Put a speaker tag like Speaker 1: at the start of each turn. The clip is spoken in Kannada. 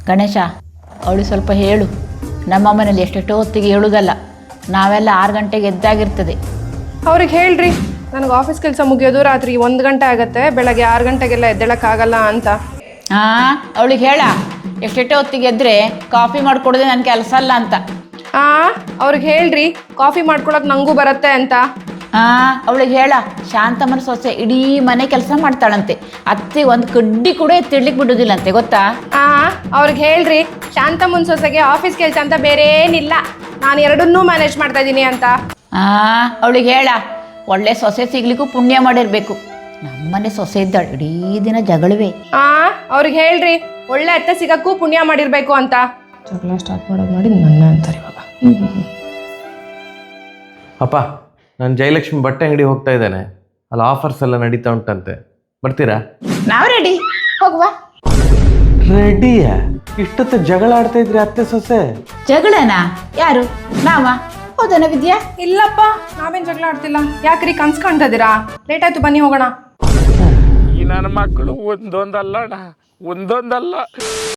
Speaker 1: ಗಣೇಶ ಅವಳು ಸ್ವಲ್ಪ ಹೇಳು. ನಮ್ಮ ಮನೇಲಿ ಎಷ್ಟೆಷ್ಟೋ ಹೊತ್ತಿಗೆ ಹೇಳುವುದಲ್ಲ, ನಾವೆಲ್ಲ 6 ಗಂಟೆಗೆ ಎದ್ದಾಗಿರ್ತದೆ.
Speaker 2: ಅವ್ರಿಗೆ ಹೇಳ್ರಿ ನನಗೆ ಆಫೀಸ್ ಕೆಲಸ ಮುಗಿಯೋದು ರಾತ್ರಿ 1 ಗಂಟೆ ಆಗುತ್ತೆ, ಬೆಳಗ್ಗೆ 6 ಗಂಟೆಗೆಲ್ಲ ಎದ್ದೇಳಕ್ಕಾಗಲ್ಲ ಅಂತ.
Speaker 1: ಅವಳಿಗೆ ಹೇಳ ಎಷ್ಟೆಷ್ಟೋ ಹೊತ್ತಿಗೆ ಎದ್ದರೆ ಕಾಫಿ ಮಾಡಿಕೊಡೋದೆ ನನ್ನ ಕೆಲಸ ಅಲ್ಲ ಅಂತ.
Speaker 2: ಅವ್ರಿಗೆ ಹೇಳ್ರಿ ಕಾಫಿ ಮಾಡ್ಕೊಳಕ್ ನಂಗೂ ಬರುತ್ತೆ ಅಂತ.
Speaker 1: ಅವಳಿಗೆ ಹೇಳ ಶಾಂತಮ್ಮನ ಸೊಸೆ ಇಡೀ ಮನೆ ಕೆಲಸ ಮಾಡ್ತಾಳಂತೆ, ಅತ್ತೆ ಒಂದು ಕಡ್ಡಿ ಕೂಡ ಎತ್ತಿಡ್ಲಿಕ್ಕೆ ಬಿಡೋದಿಲ್ಲಂತೆ, ಗೊತ್ತಾ?
Speaker 2: ಅವ್ರಿಗೆ ಹೇಳ್ರಿ ಶಾಂತಮ್ಮನ ಸೊಸೆಗೆ ಆಫೀಸ್ ಕೆಲಸ ಅಂತ ಬೇರೆ ಏನಿಲ್ಲ, ನಾನು ಎರಡನ್ನೂ ಮ್ಯಾನೇಜ್ ಮಾಡ್ತಾ ಇದ್ದೀನಿ ಅಂತ.
Speaker 1: ಅವಳಿಗೆ ಹೇಳ ಒಳ್ಳೆ ಸೊಸೆ ಸಿಗ್ಲಿಕ್ಕೂ ಪುಣ್ಯ ಮಾಡಿರ್ಬೇಕು. ನಮ್ಮನೆ ಸೊಸೆ ಇದ್ದಾಳೆ, ಇಡೀ ದಿನ ಜಗಳವೇ.
Speaker 2: ಅವ್ರಿಗೆ ಹೇಳ್ರಿ ಒಳ್ಳೆ ಅತ್ತೆ ಸಿಗಕ್ಕೂ ಪುಣ್ಯ ಮಾಡಿರ್ಬೇಕು ಅಂತ. ಜಗಳ ಸ್ಟಾರ್ಟ್ ಮಾಡೋದು ಮಾಡಿ ನನ್ನ ಅಂತಾರೆ ಇವಾಗ.
Speaker 3: ಅಪ್ಪ, ನಾನು ಜಯಲಕ್ಷ್ಮಿ ಬಟ್ಟೆ ಅಂಗಡಿ ಹೋಗ್ತಾ ಇದ್ದೇನೆ, ಅಲ್ಲಿ ಆಫರ್ಸ್ ಎಲ್ಲ ನಡೀತಾ ಉಂಟಂತೆ, ಬರ್ತೀರಾ?
Speaker 1: ನಾವು ರೆಡಿ, ಹೋಗುವ.
Speaker 3: ರೆಡಿಯಾ? ಇಷ್ಟೊತ್ತು ಜಗಳ ಆಡ್ತಾ ಇದ್ರಿ ಅತ್ತೆ ಸೊಸೆ?
Speaker 1: ಜಗಳನಾ? ಯಾರು? ನಾವ? ಹೌದನ ವಿದ್ಯಾ?
Speaker 2: ಇಲ್ಲಪ್ಪ, ನಾವೇನ್ ಜಗಳ ಆಡ್ತಿಲ್ಲ. ಯಾಕ್ರಿ ಕನ್ಸ್ ಕಾಣ್ತಾ ಇದೀರಾ? ಲೇಟ್ ಆಯ್ತು, ಬನ್ನಿ ಹೋಗೋಣ.
Speaker 4: ಈ ನನ್ನ ಮಕ್ಕಳು ಒಂದೊಂದಲ್ಲ.